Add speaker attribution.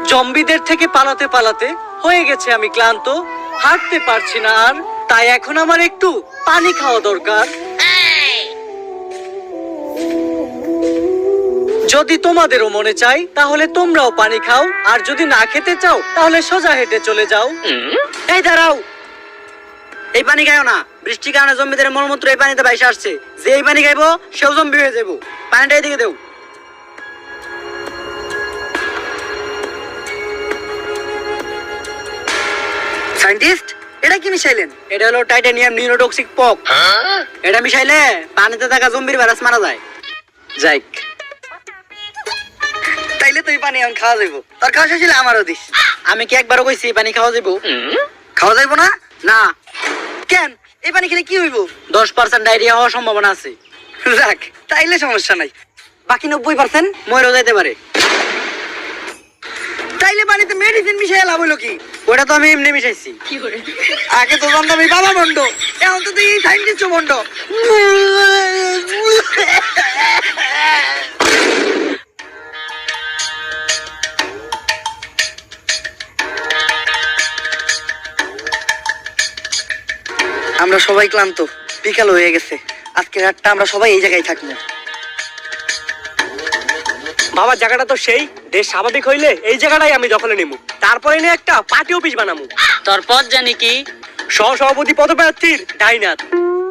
Speaker 1: জম্বিদের থেকে পালাতে পালাতে হয়ে গেছে আমি ক্লান্ত, হাঁটতে পারছি না আর, তাই এখন আমার একটু পানি খাওয়া দরকার। যদি তোমাদেরও মনে চাই তাহলে তোমরাও পানি খাও, আর যদি না খেতে চাও তাহলে সোজা হেঁটে চলে যাও।
Speaker 2: এই দাঁড়াও, এই পানি খাইও না। বৃষ্টির কারণে জম্বিদের মলমূত্র এই পানিতে ভাইসে আসছে। যে এই পানি খাইবো সেও জম্বি হয়ে যাবো। পানিটা এদিকে দেও। সায়েন্টিস্ট, এটা কি মিশাইলেন? এটা হলো টাইটানিয়াম নিউরোটক্সিক পক। এটা মিশাইলে পানিতে থাকা জম্বির ভাইরাস মারা যায়। যাইক, তাইলে তুই পানি এখন খাওয়া যাইবো। তোর খাওয়া শেষ হলে আমারও দিস। আমি কি একবারও কইছি পানি খাওয়া যাইবো? খাওয়া যাইবো না? না। কেন? এই পানি খেলে কি হইব? 10% ডায়রিয়া হওয়ার সম্ভাবনা আছে। যাক, তাইলে সমস্যা নাই। বাকি 90% মরেও যাইতে পারে। তাইলে পানিতে মেডিসিন মিশাই লাভ হইলো কি? ওটা তো আমি এমনি মিশাইছি। আগে তো জানতাম আমি বাবা বন্ড, এখন তো তুই সাইন্টিস্ট বন্ড। আমরা সবাই ক্লান্ত, বিকাল হয়ে গেছে। আজকে রাতটা আমরা সবাই এই জায়গায় থাকবো।
Speaker 3: বাবা জায়গাটা তো সেই, দেশ স্বাভাবিক হইলে এই জায়গাটাই আমি দখলে নিমু, তারপরে নিয়ে একটা পার্টি অফিস বানামু।
Speaker 2: তোর পথ জানি কি?
Speaker 3: সহসভাপতি পদপ্রার্থীর ডাইনাথ।